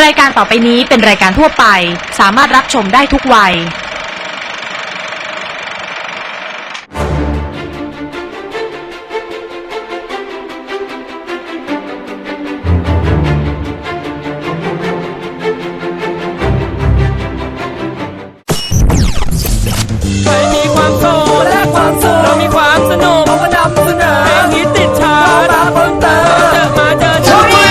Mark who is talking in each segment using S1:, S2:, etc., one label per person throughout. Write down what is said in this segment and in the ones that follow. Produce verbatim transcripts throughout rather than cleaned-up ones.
S1: รายการต่อไปนี้เป็นรายการทั่วไปสามารถรับชมได้ทุกวัย
S2: ใครมีความโสดและความสุขเรามีความสนุกเราก็นำเสนอเพลงฮิตติดชาร์ตมาเพิ่มเติมมาเจอช่วย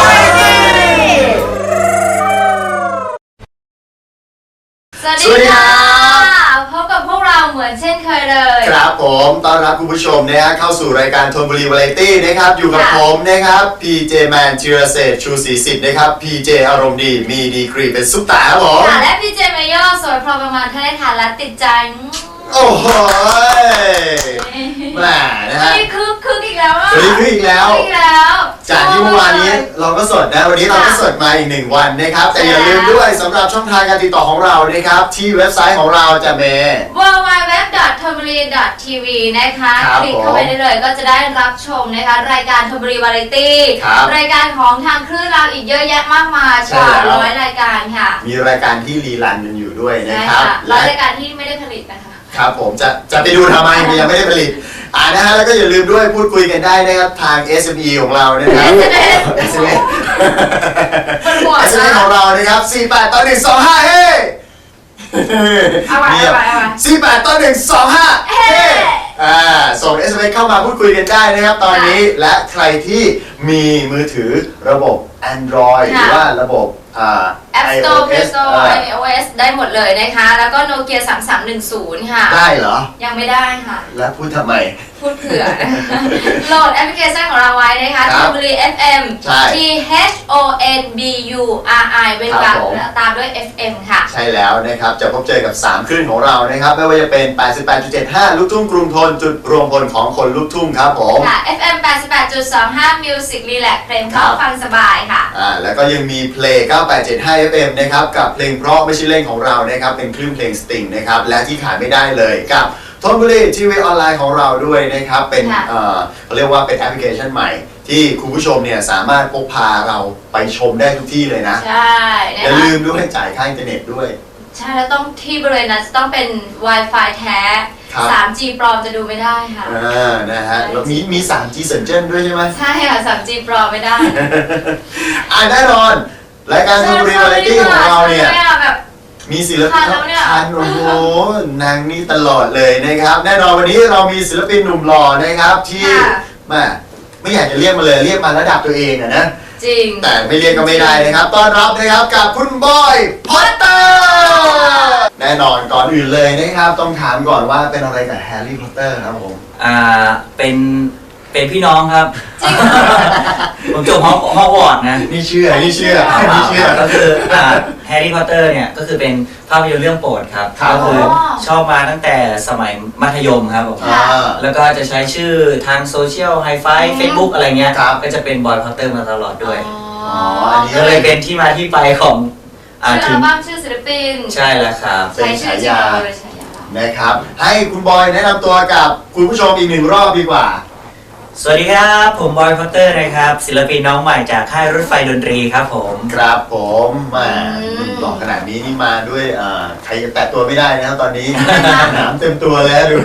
S3: สวัสดีค่ะพบกับพวกเราเหมือนเช่นเคยเลย
S4: ครับผมต้อนรับคุณผู้ชมนะฮะเข้าสู่รายการธนบุรีวาไรตี้นะครับอยู่กับผมนะครับพีเจแมนธีรเศรษฐ์ชูศรีสิทธิ์นะครับพีเจอารมณ์ดีมีดีกรีเป็นซุปตาครับผม
S3: ค่ะและพีเจเมโยสวยพอประมาณท่านได้ทานและติดใจ
S4: โอ้โหแหมนะฮะ
S3: นี่คึกคึกอีกแล้วอ่ะ
S4: คึกอีกแล้ว
S3: อีกแล้ว
S4: จากที่เมื่อวานนี้เราก็สดนะวันนี้เราก็สดมาอีกหนึ่งวันนะครับแต่อย่าลืมด้วยสำหรับช่องทางการติดต่อของเรานะครับที่เว็บไซต์ของเราจะเม
S3: ดับเบิลยู ดับเบิลยู ดับเบิลยู ดอท ธนบุรี ดอท ที วี นะคะคลิกเข้าไปได้เลยก็จะได้รับชมนะคะรายการธนบุรีวาไรตี้รายการของทางคลื่นเราอีกเยอะแยะมากมายกว่าร้อยรายการค่ะ
S4: มีรายการที่รีรันกันอยู่ด้วยนะครับ
S3: และรายการที่ไม่ได้ผลิตนะคะ
S4: ครับผมจะจะไปดูทำไมยังไม่ได้ผลิตอ่านะฮะแล้วก็อย่าลืมด้วยพูดคุยกันได้นะครับทาง เอส เอ็ม อี ของเรานะครับ เอส เอ็ม อี เอส เอ็ม อี ของเรานะครับสี่แปดต่อหนึ่งสองห้าเฮ้
S3: เอาไว้เอาไว้เอาไว้
S4: สี่แปดต่อหนึ่งสองห้าเฮ้อ่าส่ง เอส เอ็ม เอส เข้ามาพูดคุยกันได้นะครับตอนนี้และใครที่มีมือถือระบบ Android หรือว่าระบบอ่า
S3: App Store Play Store ไอ โอ เอส ได้หมดเลยนะคะแล้วก็ Nokia สามสามหนึ่งศูนย์ค่ะ
S4: ได้เหรอ
S3: ยังไม่ได้ค่ะ
S4: แล้วพูดทำไม
S3: พูดเผื่อโหลดแอปพลิเคชันของเราไว้นะคะธนบุรี เอฟ เอ็ม T H O N B U R I เว้นวรรคตามด้วย เอฟ เอ็ม ค่ะ
S4: ใช่แล้วนะครับจะพบเจอกับสามคลื่นของเรานะครับไม่ว่าจะเป็น แปดสิบแปดจุดเจ็ดห้า ลูกทุ่งกรุงทนจุดรวมพลของคนลูกทุ่งครับผม
S3: ค่ะ เอฟ เอ็ม แปดสิบแปดจุดสองห้า Music Relax เพลงเพราะฟังสบายค่ะ
S4: อ่าแล้วก็ยังมีเพลงเก้าแปดเจ็ดห้า เอฟ เอ็ม นะครับกับเพลงเพราะไม่ใช่เล่นของเรานะครับเป็นคลื่นเพลงสตริงนะครับและที่ขาดไม่ได้เลยกับธนบุรีทีวีออนไลน์ของเราด้วยนะครับเป็นเอ่อเขาเรียกว่าเป็นแอปพลิเคชันใหม่ที่คุณผู้ชมเนี่ยสามารถพกพาเราไปชมได้ทุกที่เลยนะ
S3: ใช่
S4: อย่าลืมด้วยจ่ายค่าอินเทอร์เน็ตด้วย
S3: ใช่แล้วต้องที่บริเวณนั้นจะต้องเป็น Wi-Fi แท้ สามจี ปลอมจะดูไม่ได้ค่ะ
S4: อ่านะฮะแล้วมีมี สามจี เซินเจิ้นด้วยใช่ไหม
S3: ใช่ค่ะ สามจี ปลอมไม่ได้
S4: อ่าแน่นอนรายการธนบุรีวาไรตี้ของเราเนี่ยมีศิลปินคันโอ้โหนางนี่ตลอดเลยนะครับแน่นอนวันนี้เรามีศิลปินหนุ่มหล่อนะครับที่แม่ไม่อยากจะเรียกมาเลยเรียกมาระดับตัวเองอะนะ
S3: จริง
S4: แต่ไม่เรียกก็ไม่ได้นะครับต้อนรับนะครับกับคุณบอยพอตเตอร์แน่นอนก่อนอื่นเลยนะครับต้องถามก่อนว่าเป็นอะไรกับแฮร์รี่พอตเตอร์ครับผม
S2: อ่าเป็นเป็นพี่น้องครับผมจบห้องห้องวอร์ดนะ
S4: นี่เชื่อนี่เชื่อนี่เชื่อ
S2: ก็คือแฮร์รี่พอตเตอร์เนี่ยก็คือเป็นภาพยนตร์เรื่องโปรดครับก็คือชอบมาตั้งแต่สมัยมัธยมครับผมแล้วก็จะใช้ชื่อทางโซเชียลไฮไฟเฟซบุ๊กอะไรเงี้ยก็จะเป็นบอยพอตเตอร์มาตลอดด้วย
S4: อ๋ออันนี้
S2: ก็เลยเป็นที่มาที่ไปของ
S3: ชื่ออัลบั้มชื่อศิลปิน
S2: ใช่แล้วครับ
S4: เป็นฉายานะครับให้คุณบอยแนะนำตัวกับคุณผู้ชมอีกหนึ่งรอบดีกว่า
S2: สวัสดีครับผมบอยพอตเตอร์นะครับศิลปินน้องใหม่จากค่ายรถไฟดนตรีครับผม
S4: ครับผมมาหล่อขนาดนี้นี่มาด้วยใครจะแตะตัวไม่ได้นะครับตอนนี้หนามเต็มตัวแล้วดู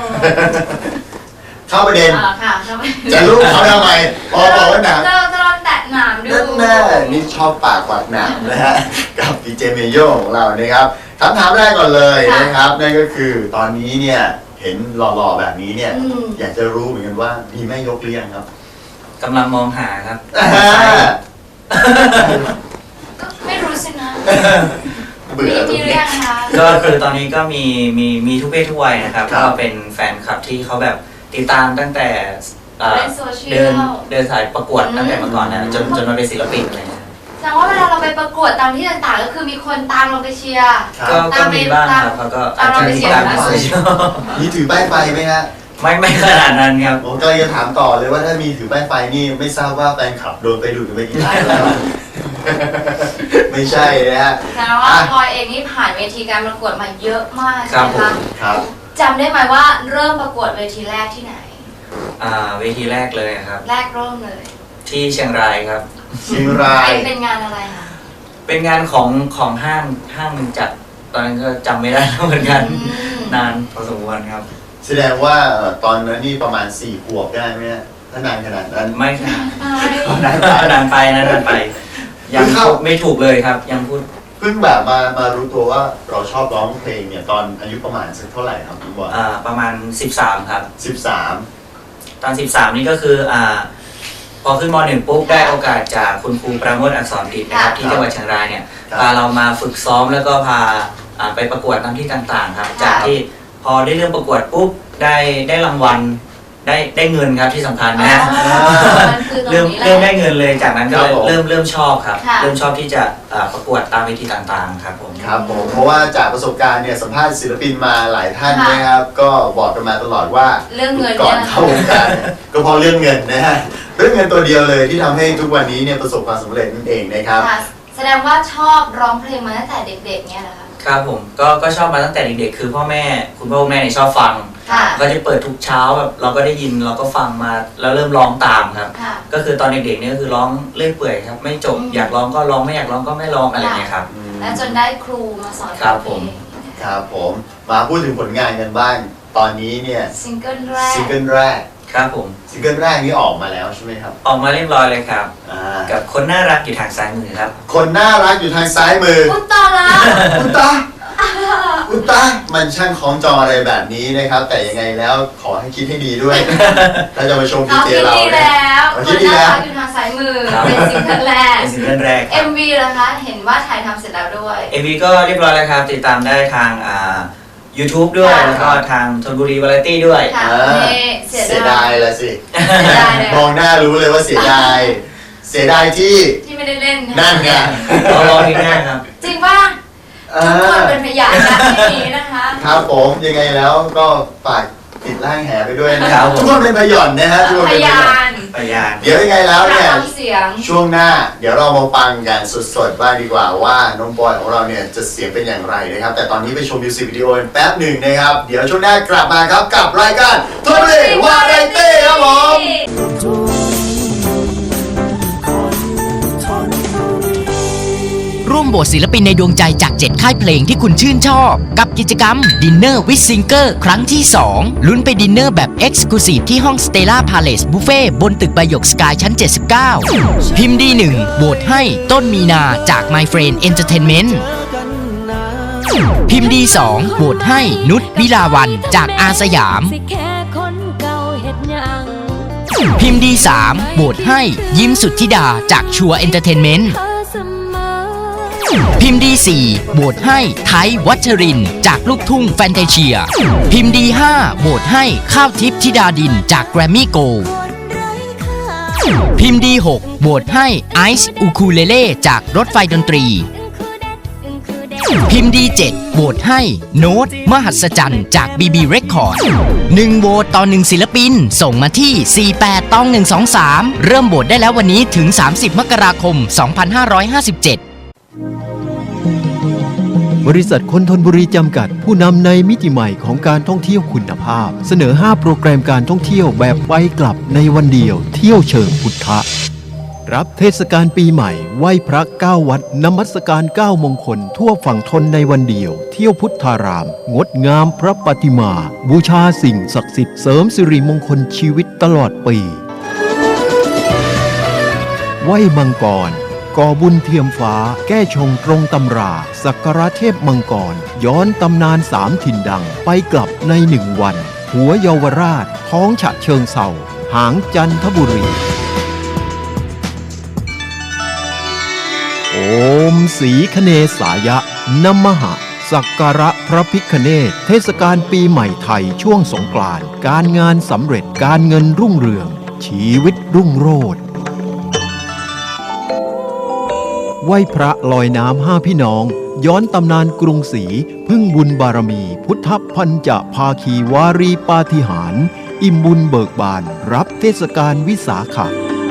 S4: เข้าประเด็นจะลูกเขาทำไมพอบอกว่าหนาม
S3: จะจะลองแตะหนามดู
S4: นั่นแน่นี่ชอบปากกวาดหนามนะฮะกับพีเจเมโยของเรานะครับคำถามแรกก่อนเลยนะครับนั่นก็คือตอนนี้เนี่ยเห็นหล่อๆแบบนี้เนี่ยอยากจะรู้เหมือนกันว่ามีแม่ยกหรือยังครับ
S2: กำลังมองหาครับ
S3: ไม่รู้สินะ
S4: เบื่อ
S3: มีเรื่องนะคะ
S2: ก็คือตอนนี้ก็มีมีมีทุกเพศทุกวัยนะครับก็เป็นแฟนคลับที่เขาแบบติดตามตั้งแต่เดินเดินสายประกวดตั้งแต่เมื่อก่อนนะจนจนมาเป็นศิลปินอะไรเงี้ย
S3: แสดงว่าเวลาเราไปประกวดตามที่ต่างๆก็คือมีคนตามเราไปเชียร์
S2: ก็มีบ้างครับเขาก็
S3: ตามเราไปเชียร์นะ
S4: มีถือป้ายไฟไหมฮะ
S2: ไม่ไม่ขนาดนั้นครับ
S4: ผมก็จะถามต่อเลยว่าถ้ามีถือป้ายไฟนี่ไม่ทราบว่าแฟนคลับโดนไปดูดกันไปกี่รายแล้วไม่ใช่นะฮะ
S3: แต่ว่าพลอยเองนี่ผ่านเวทีการประกวดมาเยอะมากใช่ไหมคะ
S4: ครับ
S3: จำได้ไหมว่าเริ่มประกวดเวทีแรกที่ไหน
S2: อ่าเวทีแรกเลยครับ
S3: แรกเริ่มเลย
S2: ที่เชียงรายครับ
S4: เชียงราย
S3: เป็นงานอะไรคะ
S2: เป็นงานของของห้างห้างหนึ่งจัดตอนนั้นก็จำไม่ได้แล้วเหมือนกัน นานพอสมควรครับ
S4: แสดงว่าเอ่อตอนนั้นนี่ประมาณสี่ขวบได้ไหมฮะถ้านานขนาดนั้น
S2: ไม่ค่ะ
S3: ไป
S2: นานไปนานไปนานไป ยังพูดไม่ถูกเลยครับ ยังพูด
S4: เพิ่งแบบมามารู้ตัวว่าเราชอบร้องเพลงเนี่ยตอนอายุประมาณสักเท่าไหร่ครับคุณบอย
S2: อ่าประมาณสิบสามครับ
S4: สิบสาม
S2: ตอนสิบสามนี่ก็คืออ่าพอขึ้นมหนึ่งปุ๊บได้โอกาสจากคุณครูประโมทอักษรดิษฐ์นะครับที่จังหวัดเชียงรายเนี่ยพาเรามาฝึกซ้อมแล้วก็พาอ่าไปประกวดตามที่ต่างๆครับ จากที่พอได้เริ่มประกวดปุ๊บได้ได้รางวัลได้ได้เงินครับที่สำคัญนะฮะ
S3: มันคือตรง
S2: เริ่ม
S3: นี้แหละ
S2: เริ่มได้เงินเลยจากนั้นก็เลยเริ่มเริ่มชอบครับ
S3: ค่ะ
S2: เริ่มชอบที่จะอ่าประกวดตามเวทีต่างๆครับผม
S4: ครับผมเพราะว่าจากประสบการณ์เนี่ยสัมภาษณ์ศิลปินมาหลายท่าน
S3: ค่ะ
S4: นะครับก็บอกกันมาตลอดว่า
S3: เรื่องเงิน
S4: ก่อน
S3: เนี่ย
S4: เข้าวงการเนี่ยก็เพราะเรื่องเงินนะฮะเรื่องเงินตัวเดียวเลยที่ทำให้ทุกวันนี้เนี่ยประสบความสำเร็จนั่นเองนะครับ
S3: ค่ะแสดงว่าชอบร้องเพลงมาตั้งแต่เด็กๆเนี่ยเหรอคะ
S2: ครับผมก็ก็ชอบมาตั้งแต่เด็กๆคือพ่อแม่คุณพ่อคุณแม่เนี่ยชอบฟัง
S3: ค่ะ
S2: ก็จะเปิดทุกเช้าแบบเราก็ได้ยินเราก็ฟังมาแล้วเริ่มร้องตามครับ
S3: ค่ะ
S2: ก็คือตอนเด็กๆเนี่ยก็คือร้องเลื่อยเปื่อยครับไม่จบ
S3: อืม
S2: อยากร้องก็ร้องไม่อยากร้องก็ไม่ร้องอะไรเงี้ยครับ
S3: แล้วจนได้ครูมาสอน
S2: ครับผม
S4: ครับผมมาพูดถึงผลงานกันบ้าง ตอนนี้เนี่ย
S3: ซิงเกิลแรก
S4: ซิงเกิลแรก
S2: ครับผม
S4: ซิงเกิลแรกนี้ออกมาแล้วใช่ไหมครับ
S2: ออกมาเรียบร้อยเลยครับ
S4: อ่า
S2: กับคนน่ารักอยู่ทางซ้ายมือครับ
S4: คนน่ารักอยู่ทางซ้ายมือ
S3: อุตตาละ
S4: อุตตาอุตตามันช่างคล้องจองอะไรแบบนี้นะครับ แต่ยังไงแล้วขอให้คิดให้ดีด้วย ถ้าจะมาชมพี
S3: เรา
S4: เจ
S3: คิด
S4: เรา
S3: ดี
S4: เนี่ย
S3: แล้ว
S4: เรา
S3: ค
S4: คิด
S3: น
S4: ดี
S3: น่า
S4: แล้ว
S3: รักอยู่ทางซ้ายมือ
S2: ครับ
S3: เป็นซิงเกิลแรก
S2: เป็นซิงเกิลแรกค
S3: เอ็
S2: รับ
S3: ม วี ล่ะคะ เห็นว่าถ่ายทำเสร็จแล้วด้วย
S2: เอ็มวีก็เรียบร้อยแล้วครับ ติดตามได้ทางอ่า YouTube ด้วย
S3: ค่ะ
S2: แล้วก็ทางธนบุรีวาไรตี้ด้วย
S3: ค่ะ
S4: อ่า
S3: นี่เสีย
S4: เสีย
S3: ดา
S4: ดาย
S3: ย
S4: ละสิ
S3: เสียดายเลย
S4: มองหน้ารู้เลยว่าเสียดาย เสียดายที่
S3: ที่ไม่ได้เล่น
S4: นั่นไง
S2: เราร้องเพลงแรกครับ
S3: จริงป่ะ
S4: อ่า
S3: ทุกคนเป็นพยานนะที่นี้นะคะ
S4: ครับผมยังไงแล้วก็ฝากติดล่างแหไปด้วยนะค
S2: ครั
S4: รับบ
S2: ผม
S4: ทุกคนเป็นพยอนนะฮะทุกคน
S3: พ
S4: เป็นพย
S3: ยา
S4: อน
S3: น
S2: พยาน
S4: เดี๋ยวยังไงแล้วเนี่ย
S3: ฟังเสียง
S4: ช่วงหน้าเดี๋ยวเรามาฟังกันสดๆบ้างดีกว่าว่าน้องบอยของเราเนี่ยจะเสียงเป็นอย่างไรนะครับ แต่ตอนนี้ไปชมมิวสิกวิดีโอกันแป๊บหนึ่งนะครับ เดี๋ยวช่วงหน้ากลับมาครับกับรายการทอมเลวาไรตี้ครับผม
S5: ร่วมโหวตศิลปินในดวงใจจากเจ็ดค่ายเพลงที่คุณชื่นชอบ กับกิจกรรม Dinner with Singer ครั้งที่ สอง ลุ้นไปดินเนอร์แบบ Exclusive ที่ห้อง Stella Palace Buffet บนตึกใบหยกสกายชั้น เจ็ดสิบเก้า พิมพ์ดีหนึ่งโหวตให้ต้นมีนาจาก My Friend Entertainment พิมพ์ดีสองโหวตให้นุชวิลาวันจากอาสยาม พิมพ์ดีสามโหวตให้ยิ้มสุทธิดาจากชัวเอนเตอร์เทนเมนต์พิมพ์ดีสี่โหวตให้ไทยวัชรินทร์จากลูกทุ่งแฟนตาเชีย พิมพ์ดีห้าโหวตให้ข้าวทิพย์ธิดาดินจากแกรมมี่โกลด์พิมพ์ดีหกโหวตให้ไอซ์อูคูเลเล่จากรถไฟดนตรี พิมพ์ดีเจ็ดโหวตให้โน้ตมหัศจรรย์จาก บี บี Record หนึ่งโหวตต่อหนึ่งศิลปินส่งมาที่ สี่แปดตองหนึ่งสองสาม เริ่มโหวตได้แล้ววันนี้ถึง สามสิบ มกราคม สองพันห้าร้อยห้าสิบเจ็ด
S6: บริษัทคนทนบุรีจำกัดผู้นำในมิติใหม่ของการท่องเที่ยวคุณภาพ เสนอ ห้า โปรแกรมการท่องเที่ยวแบบไปกลับในวันเดียวเที่ยวเชิงพุทธะรับเทศกาลปีใหม่ไหว้พระเก้าวัดนมัสการเก้ามงคลทั่วฝั่งทนในวันเดียวเที่ยวพุทธาราม งดงามพระปฏิมา บูชาสิ่งศักดิ์สิทธิ์เสริมสิริมงคลชีวิตตลอดปีไหว้มังกรก่อบุญเทียมฟ้าแก้ชงตรงตำราสักการะเทพมังกรย้อนตำนานสามถิ่นดังไปกลับในหนึ่งวัน หัวเยาวราชท้องฉะเชิงเศร้าหางจันทบุรีโอมสีคเนสายะนมหะสักการะพระพิฆเนศเทศกาลปีใหม่ไทยช่วงสงกรานต์การงานสำเร็จการเงินรุ่งเรืองชีวิตรุ่งโรจน์ไหว้พระลอยน้ำห้าพี่น้องย้อนตำนานกรุงศรีพึ่งบุญบารมีพุทธพันจะภาคีวารีปาฏิหาริย์อิ่มบุญเบิกบานรับเทศกาลวิสาขะ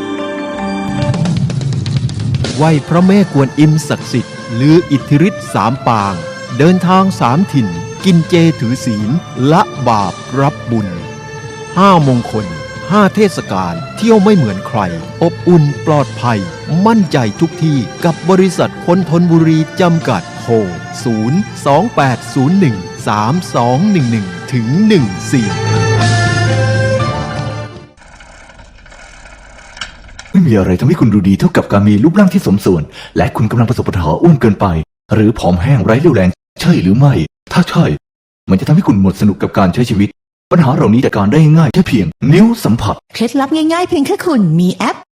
S6: ไหว้พระแม่กวนอิมศักดิ์สิทธิ์ลืออิทธิฤทธิ์สามปางเดินทางสามถิ่นกินเจถือศีลละบาปรับบุญห้ามงคลห้าเทศกาลเที่ยวไม่เหมือนใคร อบอุ่นปลอดภัย มั่นใจทุกที่กับบริษัทคนทนบุรีจำกัดโทร ศูนย์ สอง แปด ศูนย์ หนึ่ง สาม สอง หนึ่ง หนึ่ง ถึง หนึ่ง สี่
S7: ไม่มีอะไรทำให้คุณดูดีเท่ากับการมีรูปร่างที่สมส่วน และคุณกำลังประสบปัญหาอ้วนเกินไป หรือผอมแห้งไร้เรี่ยวแรงใช่หรือไม่ ถ้าใช่ มันจะทำให้คุณหมดสนุกกับการใช้ชีวิต ปัญหาเหล่านี้จัดการได้ง่ายแค่เพียงนิ้วสัมผัส
S8: เคล็ดลับง่ายๆเพียงแค่คุณมีแอป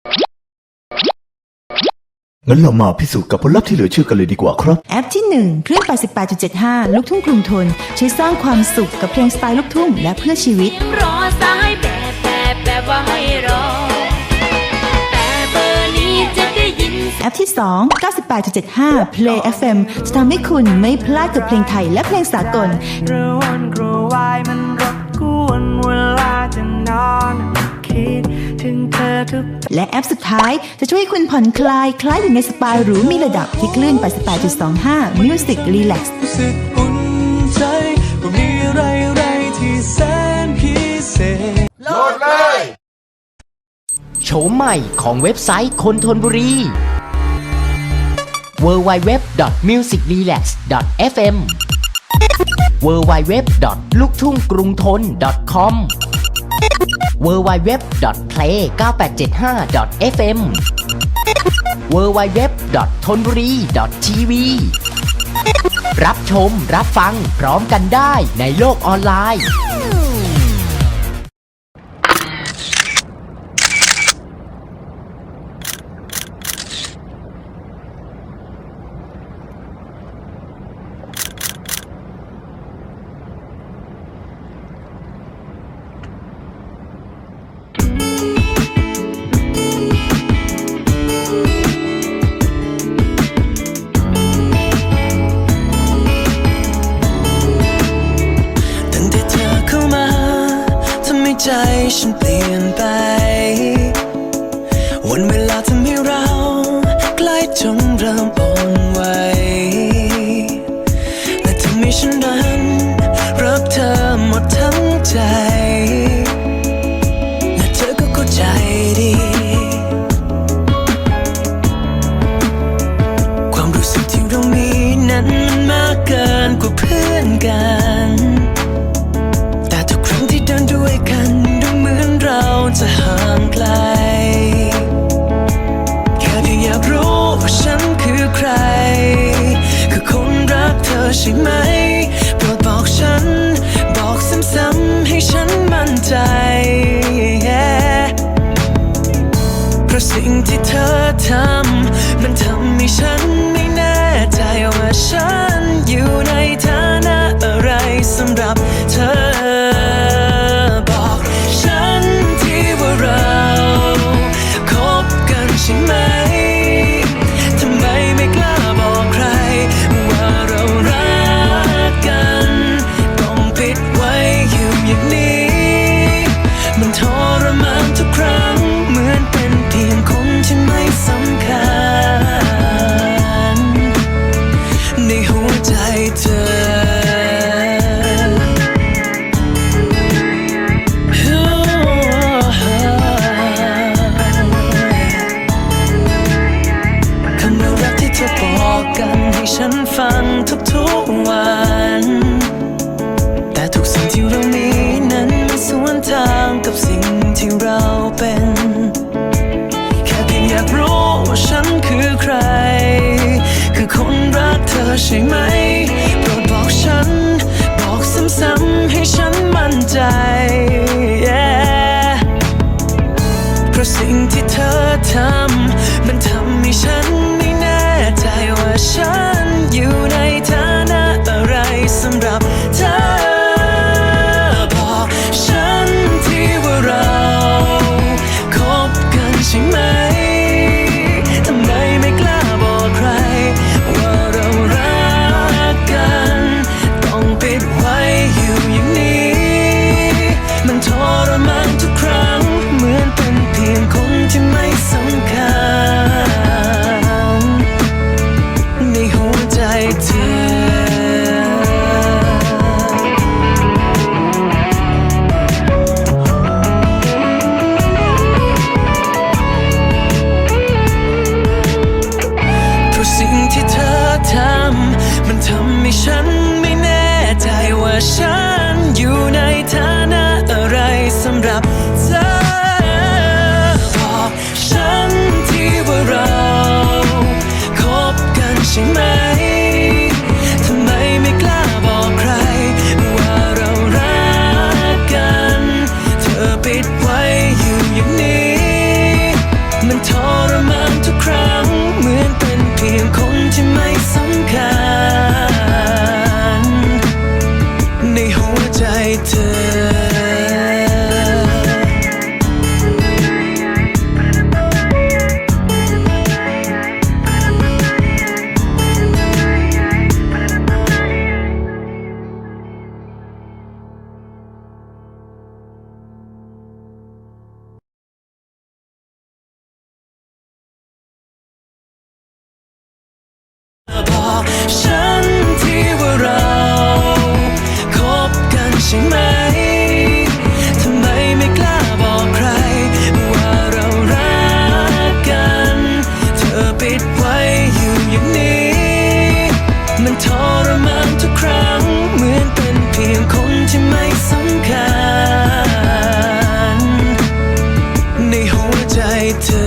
S7: งั้นเรามาพิสูจน์กับผลลัพธ์ที่เหลือเชื่อกันเลยดีกว่าครับ
S8: แอปที่หนึ่งเครื่อง แปดสิบแปดจุดเจ็ดห้า ลูกทุ่งกรุงทนช่วยสร้างความสุขกับเพลงสไตล์ลูกทุ่งและเพื่อชีวิต
S9: รอสายแบบแบบแบบว่าให้รอ แต่เบอร์นี้จะได้ยิน
S8: แอปที่สอง เก้าสิบแปดจุดเจ็ดห้า Play เอฟ เอ็ม จะทำให้คุณไม่พลาดกับเพลงไทยและเพลงสากล
S10: กระวนกระวายมันรบกวนเวลาจะนอนคิดถึงเธอทุก
S8: และแอปสุดท้ายจะช่วยให้คุณผ่อนคลายคล้ายอยู่ในสปาหรูมีระดับที่คลื่น แปดสิบแปดจุดสองห้า Music Relax
S10: รู้สึกอุ่นใจว่ามีอะไรอะไรที่แสนพิเศษโหลดเลย
S5: โฉมใหม่ของเว็บไซต์คนทนบุรี ดับเบิลยู ดับเบิลยู ดับเบิลยู ดอท มิวสิกรีแลกซ์ ดอท เอฟ เอ็ม ดับเบิลยู ดับเบิลยู ดับเบิลยู ดอท ลูกทุ่งกรุงทน ดอท คอม ดับเบิลยู ดับเบิลยู ดับเบิลยู ดอท เพลย์ เก้าแปดเจ็ดห้า ดอท เอฟ เอ็ม ดับเบิลยู ดับเบิลยู ดับเบิลยู ดอท ทนบุรี ดอท ที วี รับชมรับฟังพร้อมกันได้ในโลกออนไลน์
S10: ตั้งแต่เธอเข้ามาทำให้ใจฉันเปลี่ยนไปวันเวลาทำให้เราใกล้จนเริ่มอ่อนไหวและทำให้ฉันนั้นรักเธอหมดทั้งใจและเธอก็เข้าใจดีความรู้สึกที่เรามีนั้นมันมากเกินกว่าเพื่อนกันแต่ทุกครั้งที่เดินด้วยกันดูเหมือนเราจะห่างไกลแค่เพียงอยากรู้ว่าฉันคือใครคือคนรักเธอใช่ไหมโปรดบอกฉันบอกซ้ำๆให้ฉันมั่นใจ เพราะสิ่งที่เธอทำมันทำให้ฉันไม่แน่ใจว่าฉันอยู่ในฐานะอะไรสำหรับเธอบอกฉันที่ว่าเราคบกันใช่ไหมทำไมไม่กล้าบอกใครว่าเรารักกันต้องปิดไว้อยู่อย่างนี้มันทรมานทุกครั้งเหมือนเป็นเพียงคนที่ไม่สำคัญในหัวใจเธอคำว่ารักที่เธอบอกกันให้ฉันฟังทุกๆวันแต่ทุกสิ่งที่เรามีนั้นมันสวนทางกับสิ่งที่เราเป็นแค่เพียงอยากรู้ว่าฉันคือใครคือคนรักเธอใช่ไหมโปรดบอกฉันบอกซ้ำๆให้ฉันมั่นใจ yeah เพราะสิ่งที่เธอทำมันทำให้ฉันไม่แน่ใจว่าฉันอยู่ในฐานะอะไรสำหรับเธอบอกฉันที่ว่าเราคฉันที่ว่าเราคบกันใช่ไหมทำไมไม่กล้าบอกใครว่าเรารักกันเธอปิดไว้อยู่อย่างนี้มันทรมานทุกครั้งเหมือนเป็นเพียงคนที่ไม่สำคัญในหัวใจเธอ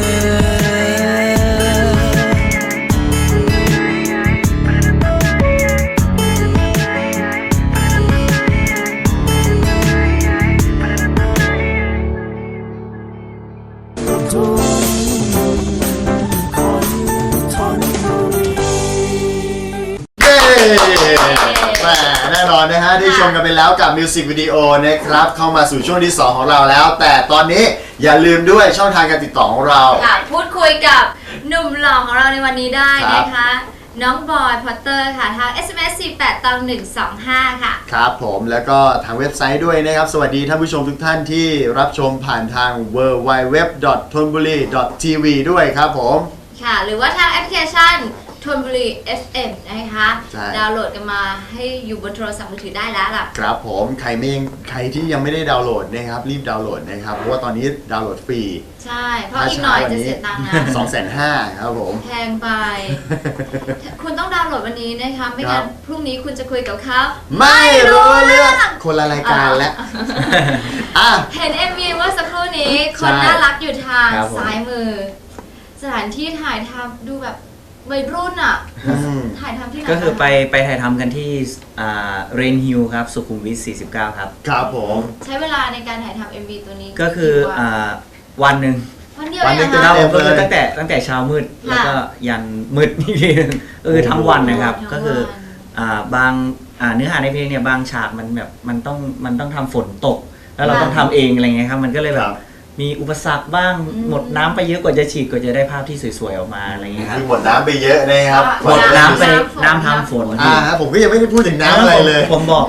S4: แหมแน่นอนนะฮะได้ชมกันไปแล้วกับมิวสิกวิดีโอนะครับเข้ามาสู่ช่วงที่สองของเราแล้ว แต่ตอนนี้อย่าลืมด้วยช่องทางการติดต่อของเรา
S3: ค่ะพูดคุยกับหนุ่มหล่อของเราในวันนี้ได้นะคะ น้องบอยพอตเตอร์ค่ะทาง เอส เอ็ม เอส สี่แปด หนึ่งสองห้า ค่ะ
S4: ครับผมแล้วก็ทางเว็บไซต์ด้วยนะครับสวัสดีท่านผู้ชมทุกท่านที่รับชมผ่านทาง ดับเบิลยู ดับเบิลยู ดับเบิลยู ดอท ธนบุรี ดอท ที วี ด้วยครับผม
S3: ค่ะหรือว่าทางแอปพลิเคชันธนบุรี เอฟ เอ็ม นะคะ
S4: ใช่
S3: ดาวน์โหลดกันมาให้อยู่บนโทรศัพท์มือถือได้แล้วล่ะ
S4: ครับผมใครไม่ยังใครที่ยังไม่ได้ดาวน์โหลดนะครับรีบดาวน์โหลดนะครับเพราะว่าตอนนี้ดาวน์โหลดฟรี
S3: ใช่เพราะอีกหน่อยจะเสียตังค์นะ
S4: สองแสนห้าครับผม
S3: แพงไป คุณต้องดาวน์โหลดวันนี้นะคะไม่
S4: ครั
S3: งั้
S4: บ
S3: นพรุ่งนี้คุณจะคุยกับเขา
S4: ไม่รู้เรื่องคนละรายการแล้วอ่ะ
S3: เห็น เอ็ม วี เมื่อสักครู่นี้
S4: ใช่
S3: คนน่ารักอยู่ทาง
S2: ครับผม
S3: ซ้ายมือ สถานที่ถ่ายทำดูแบบวัยรุ่นอ่ะ
S4: อืม
S3: ถ่ายทำที่ไหน
S2: ก็คือไปไปถ่ายทำกันที่อ่าเรนฮิลครับสุขุมวิทสี่สิบเก้าครับ
S4: ครับผม
S3: ใช้เวลาในการถ่ายทำ เอ็ม วี ตัวนี้
S2: ก็คือ
S3: กี่วัน
S2: อ่าวันหนึ่ง
S3: วันเดียว
S4: วันหนึ่
S3: เอง ง
S4: เต็
S3: นะ
S2: ครับผมก็
S4: เล
S2: คื
S4: ย
S2: อตั้งแต่ตั้งแต่เช้ามืด
S3: ค่ะ
S2: แล้วก็ยันมืดอีกทีนึงก็คือทั้งวันนะครับ
S3: ทั้งวัน
S2: ก็คืออ่าบางอ่าเนื้อหาในเพลงเนี่ยบางฉากมันแบบมันต้องมันต้องทำฝนตก แล้วเรา
S3: ค่ะ
S2: ต้องทำเองอะไรเงี้ยครับมันก็เลยแบ
S4: ครับ บ
S2: มีอุปสรรคบ้าง
S3: อืม
S2: หมดน้ำไปเยอะกว่าจะฉีดกว่าจะได้ภาพที่สวยๆออกมาอะไรเงี้ยครับ
S4: คือหมดน้ำไปเยอะนะครับ
S2: หมดน้ำไป
S3: น้ำฝน
S2: น้ำทำฝน
S4: อ่าฮะผมก็ยังไม่ได้พูดถึงน้ำอะไรเลย
S2: ผมบอก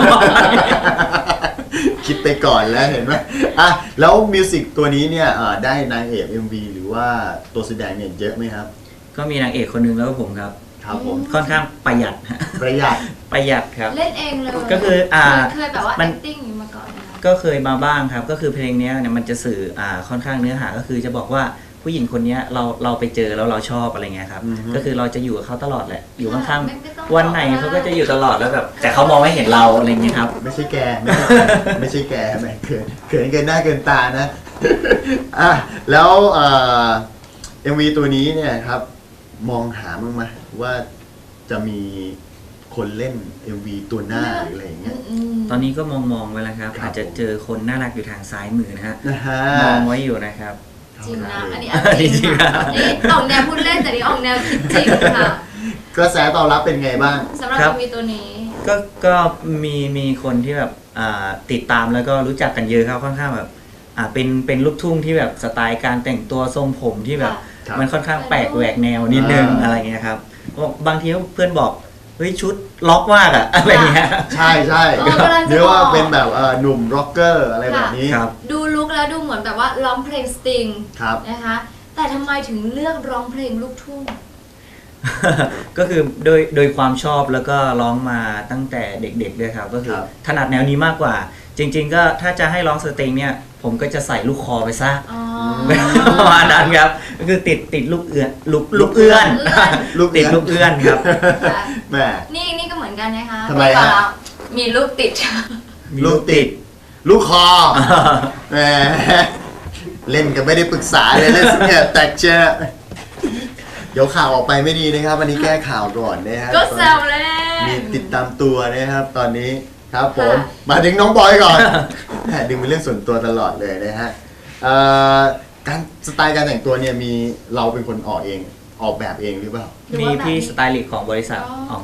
S4: คิดไปก่อนแล้วเห็นไหมอ่ะแล้วมิวสิกตัวนี้เนี่ยเอ่อได้นางเอก เอ็ม วี หรือว่าตัวแสดงเนี่ยเยอะไหมครับ
S2: ก็มีนางเอกคนหนึงแล้วก็ผมครับ
S4: ครับผม
S2: ค่อนข้างประหยัดฮะ
S4: ประหยัด
S2: ประหยัดครับ
S3: เล่นเองเลย
S2: ก็คืออ่า
S3: เคยแบบว่า
S2: มัน
S3: acting อย่างนี้มาก่อนนะคะ
S2: ก็เคยมาบ้างครับก็คือเพลงเนี้ยเนี่ยมันจะสื่ออ่าค่อนข้างเนื้อหาก็คือจะบอกว่าผู้หญิงคนเนี้ยเราเราไปเจอแล้วเราชอบอะไรเงี้ยครับ
S4: อือฮึ
S2: ก็คือเราจะอยู่กับเขาตลอดแหละอยู่ข้าง
S3: ไม่ไม่ต้อง
S2: ๆวันไหนเขาก็จะอยู่ตลอดแล้วแบบแต่เขามองไม่เห็นเราอะไรเงี้ยครับ
S4: ไม่ใช่แกไม่ใช่แกไม่ใช่แกแหมเขินเขินเกินหน้าเกินตานะ อ่ะแล้วเอ่อ เอ็ม วี ตัวนี้เนี่ยครับ มองหาบ้างไหมว่าจะมีคนเล่น เอ็ม วี ตัวหน้าหรืออะไรอย่างเงี้ย
S3: อืม
S2: ตอนนี้ก็มองมองไว้แล้วครับ
S4: ครับ
S2: อาจจะเจอคนน่ารักอยู่ทางซ้ายมือนะฮะ
S4: นะฮะ
S2: มองไว้อยู่นะครับ
S3: จริงนะ อันนี้
S2: อั
S3: อั
S2: น
S3: น
S2: นี้
S3: จริง
S2: จริงครั
S3: ค่ะ
S2: บ
S3: นี่ออกแนวพูดเล่นแต่นี่ออกแนวคิดจริงค่ะ
S4: กระแสตอบรับเป็นไงบ้าง
S3: สำหรับ
S2: ครับ
S3: เอ็ม วี ตัวนี้
S2: ก็ก็มีมีคนที่แบบอ่าติดตามแล้วก็รู้จักกันเยอะครับค่อนข้างแบบอ่าเป็นเป็นลูกทุ่งที่แบบสไตล์การแต่งตัวทรงผมที่แบบ
S4: ครับ
S2: มันค่อนข้างแปลกแหวกแนวนิดนึง
S4: อ่า
S2: อะไรเงี้ยครับบอกบางทีเพื่อนบอกเฮ้ยชุดล็อกมากอะอะไรเงี้ย
S4: ใช่ใช่
S3: เออกำลังจะ
S4: เรียกว่า
S3: บอก
S4: เป็นแบบเอ่อหนุ่มร็อกเกอร์อะไรแบบนี้
S2: ครับ
S3: ดูลุคแล้วดูเหมือนแบบว่าร้องเพลงสตริง
S4: ครับ
S3: นะคะ แต่ทำไมถึงเลือกร้องเพลงลูกทุ่ง
S2: ก็คือโดยโดยความชอบแล้วก็ร้องมาตั้งแต่เด็กๆด้วยครับ ก็คือ
S4: ครับ
S2: ถนัดแนวนี้มากกว่า จริง ๆ ก็ถ้าจะให้ร้องสตริงเนี่ยผมก็จะใส่ลูกคอไปซะ
S3: อ๋อ
S2: ประมาณนั้นครับก็คือติดติดลูกเอื้อนลูกลูกเอื้อน
S4: ลูกเอื้
S2: ติ
S4: อ
S2: ด
S4: น
S2: ลูกเอื้อนครับ
S3: ค่ะ
S4: แหม
S3: นี่นี่ก็เหมือนกันนะคะ
S4: ทำไมฮะ
S3: มีลูกติด
S2: มี
S4: ลูกติด ลูกคอแหมเล่นกันไม่ได้ปรึกษาเลยเล่นเนี่ยแตกเชื่อเดี๋ยวข่าวออกไปไม่ดีนะครับวันนี้แก้ข่าวก่อนนะฮะ
S3: ก็แซวเล่น
S4: มีติดตามตัวนะครับ ตอนนี้ครับผม
S3: ค่ะ
S4: มาถึงน้องบอยก่อนแหมดึงเป็นเรื่องส่วนตัวตลอดเลยนะฮะเอ่อการสไตล์การแต่งตัวเนี่ยมีเราเป็นคนออกเองออกแบบเองหรือเปล่า
S3: หรือ
S2: มี
S3: ว่าแบบ
S2: พี่
S3: นี้
S2: สไตลิสต์ของบริษัท
S3: อ๋อ
S2: ออกให้
S4: ครับ
S2: ครับ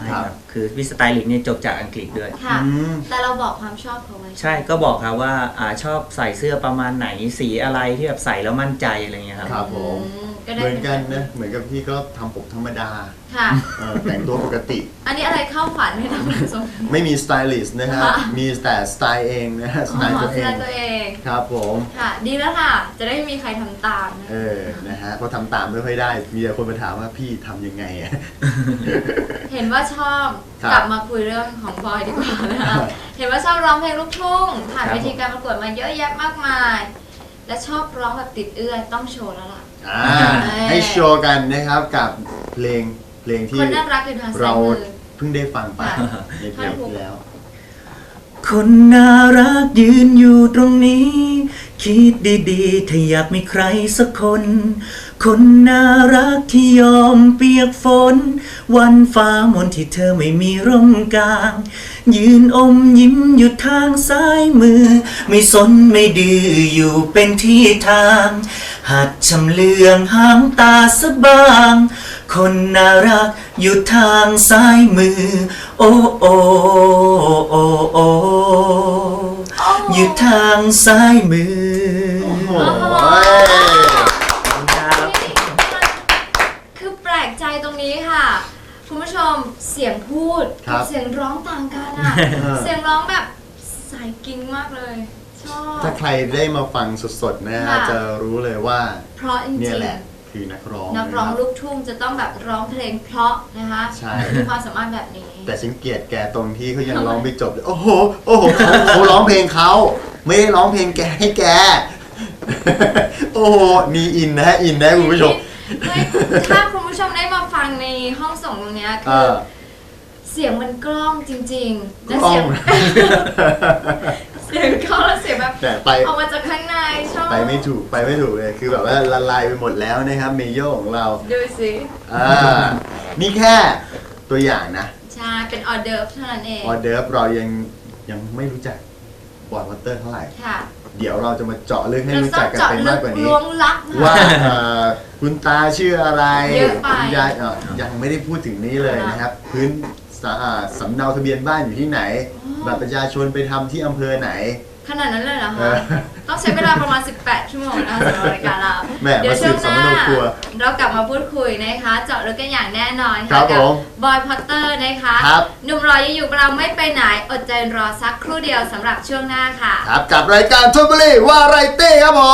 S2: คือพี่สไตลิสต์เนี่ยจบจากอังกฤษด้วย
S3: ค่ะ
S4: อืม
S3: แต่เราบอกความชอบเขาไว้
S2: ใช่ก็บอกครับว่าอ่าชอบใส่เสื้อประมาณไหนสีอะไรที่แบบใส่แล้วมั่นใจอะไรเงี้ยครับ
S4: ครับผม
S3: อืมก็ได้
S4: เหมือนกันนะเหมือนกับพี่ก็ทำผมธรรมดา
S3: ค่ะ
S4: เออแต่งตัวปกติ
S3: อันนี้อะไรเข้าฝันให้ทำเป็นทรง
S4: ไม่มีสไตลิสต์นะครับ
S3: ค่ะ
S4: มีแต่สไตล์เองนะฮะสไตล์ตัวเอ
S3: สไต
S4: ง
S3: ล์ตัวเอง
S4: ครับผม
S3: ค่ะ ดีแล้วค่ะ จะได้ไม่มีใครทำตามนะ
S4: เออนะฮะเพราะทำตามไม่ค่อยได้ มีแต่คนมาถามว่าพี่ทำยังไงอะ
S3: เห็นว่าชอบ
S4: ครับ
S3: กลับมาคุยเรื่องของบอยดีกว่านะคะเห็นว่าชอบร้องเพลงลูกทุ่งผ่าน
S2: ครับ
S3: เวทีการประกวดมาเยอะแยะมากมาย และชอบร้องแบบติดเอื้อนต้องโชว์แล้วล่ะ
S4: อ่าให้โชว์กันนะครับกับเพลงเพลงที่
S3: คนน่ารักอยู่ทางซ้า
S4: เรา
S3: ยมือ
S4: เพิ่งได้ฟังไป
S3: ค่ะ
S4: ในเพลงที่แล้ว
S2: คนน่ารักยืนอยู่ตรงนี้ คิดดีๆถ้าอยากมีใครสักคน คนน่ารักที่ยอมเปียกฝน วันฟ้ามนที่เธอไม่มีร่มกลาง ยืนอมยิ้มอยู่ทางซ้ายมือ ไม่สนไม่ดื้ออยู่เป็นที่ทาง หัดชำเลืองหางตาสะบาง คนน่ารักอยู่ทางซ้ายมือ โอ้โอ้โอ้โอ้อยู่ทางซ้ายมือ
S4: โอ้โห
S3: คือแปลกใจตรงนี้ค่ะ คุณผู้ชมเสียงพูด
S4: ครั
S3: กับ เสียงร้องต่างกันอ่ะ เสียงร้องแบบสายกิ้งมากเลย ชอบ
S4: ถ้าใครได้มาฟังสดๆนะฮะ
S3: ค่ะ
S4: จะรู้เลยว่า
S3: เพราะจริง
S4: เนี่ยแหละ
S3: ๆ
S4: คือนักร้อง
S3: นักร้อง
S4: ะคบ
S3: ลูกทุ่งจะต้องแบบร้องเพลงเพราะนะคะ
S4: ใช่
S3: มีความสามารถแบบนี้
S4: แต่ฉันเกลียดแกตรงที่เขายังร้องไม่จบเลยโอ้โห โอ้โหเขาเขาร้องเพลงเขาไม่ได้ร้องเพลงแกให้แก โอ้โหมีอินนะฮะอินนะคุณผู้ชม
S3: เฮ้ยถ้าคุณผู้ชมได้มาฟังในห้องส่งตรงเนี้ย
S4: เอ
S3: คือ
S4: อ
S3: เสียงมันกล้องจริงๆ
S4: กล้
S3: และ
S4: อง
S3: เสียง เสียงกล้องแล้วเสียงแบบ
S4: แต่ไป
S3: ออกมาจากข้างในชอบ
S4: ไปไม่ถูกไปไม่ถูกเลยคือแบบว่าละลายไปหมดแล้วนะครับเมโยของเรา
S3: ดูสิ
S4: อ่านี่แค่ตัวอย่างนะ
S3: ใช่เป็นออเดิร์ฟเท่านั้นเอง
S4: ออเดิร์ฟเรายังยังไม่รู้จักบอยวัตเตอร์เท่าไหร่
S3: ค่ะ
S4: เดี๋ยวเราจะมาเจาะลึกให้
S3: เรา
S4: รู้
S3: ต้
S4: จั
S3: อก ง
S4: กัน
S3: เจาะ
S4: เป็น
S3: ลึ
S4: มาก กกว่านี้
S3: ล้วงลับนะ
S4: ว่าเอ่อคุณตาชื่ออะไร
S3: เยอะไป
S4: คุณยายเอ่อยังไม่ได้พูดถึงนี้เลยนะครับ พื้นสะอ่าสำเนาทะเบียนบ้านอยู่ที่ไหน บัตรประชาชนไปทำที่อำเภอไหน
S3: ขนาดนั้นเลยเหรอ
S4: เอ
S3: คะ
S4: อ
S3: ต้องใช้เวลาประมาณ สิบแปด ชั่วโมงนะคะสำหรับรายการเรา
S4: แหม่
S3: เดี๋ยว
S4: มาสื
S3: ช่ว
S4: บ
S3: ง
S4: สำ
S3: ห
S4: ม
S3: น้า
S4: โนครัว
S3: เรากลับมาพูดคุยนะคะ เจาะลึกกันอย่างแน่นอน
S4: ครั
S3: ค่ะ
S4: บ
S3: กั
S4: ผม
S3: บอยพอตเตอร์นะคะ
S4: ครับ
S3: หนุ่มรอยังอยู่กับเราไม่ไปไหนอดใจรอสักครู่เดียวสำหรับช่วงหน้าค่ะ
S4: ครับกับรายการทบุรีวาไรตี้ครับผม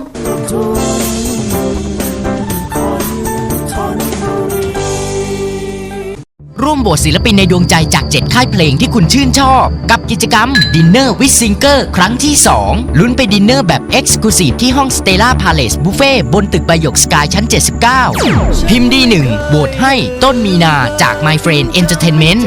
S5: ร่วมโหวตศิลปินในดวงใจจากเจ็ดค่ายเพลงที่คุณชื่นชอบ กับกิจกรรม Dinner with Singer ครั้งที่ สอง ลุ้นไปดินเนอร์แบบ Exclusive ที่ห้อง Stella Palace Buffet บนตึกใบหยกสกายชั้น เจ็ดสิบเก้า พิมพ์ดีหนึ่งโหวตให้ต้นมีนาจาก My Friend Entertainment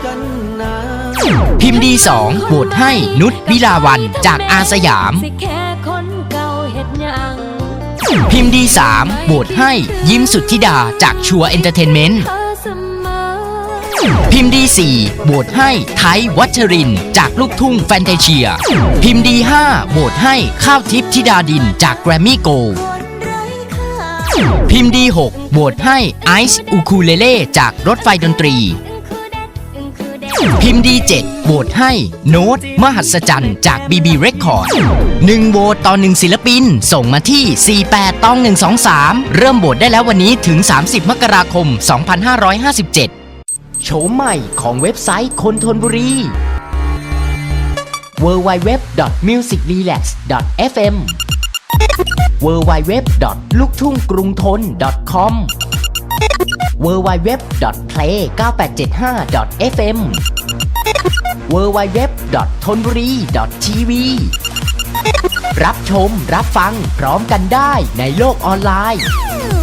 S5: พิมพ์ดีสองโหวตให้นุชวิลาวันจากอาสยาม
S9: สิแค่คนเก่าเฮ็ดหยัง
S5: พิมพ์ดีสามโหวตให้ยิ้มสุทธิดาจากชัวเอนเตอร์เทนเมนต์
S9: เธอเสมอ
S5: พิมพ์ดีสี่โหวตให้ไทยวัชรินทร์จากลูกทุ่งแฟนตาเชีย พิมพ์ดีห้าโหวตให้ข้าวทิพย์ธิดาดินจากแกรมมี่โกลด์พิมพ์ดีหกโหวตให้ไอซ์อูคูเลเล่จากรถไฟดนตรี พิมพ์ดีเจ็ดโหวตให้โน้ตมหัศจรรย์จาก บี บี Record หนึ่งโหวตต่อหนึ่งศิลปินส่งมาที่ สี่แปดตองหนึ่งสองสาม เริ่มโหวตได้แล้ววันนี้ถึง สามสิบ มกราคม สองพันห้าร้อยห้าสิบเจ็ด โฉมใหม่ของเว็บไซต์คนทนบุรี ดับเบิลยู ดับเบิลยู ดับเบิลยู ดอท มิวสิกรีแลกซ์ ดอท เอฟ เอ็ม ดับเบิลยู ดับเบิลยู ดับเบิลยู ดอท ลูกทุ่งกรุงทน ดอท คอม ดับเบิลยู ดับเบิลยู ดับเบิลยู ดอท เพลย์ เก้าแปดเจ็ดห้า ดอท เอฟ เอ็ม ดับเบิลยู ดับเบิลยู ดับเบิลยู ดอท ธนบุรี ดอท ที วี รับชมรับฟังพร้อมกันได้ในโลกออนไลน์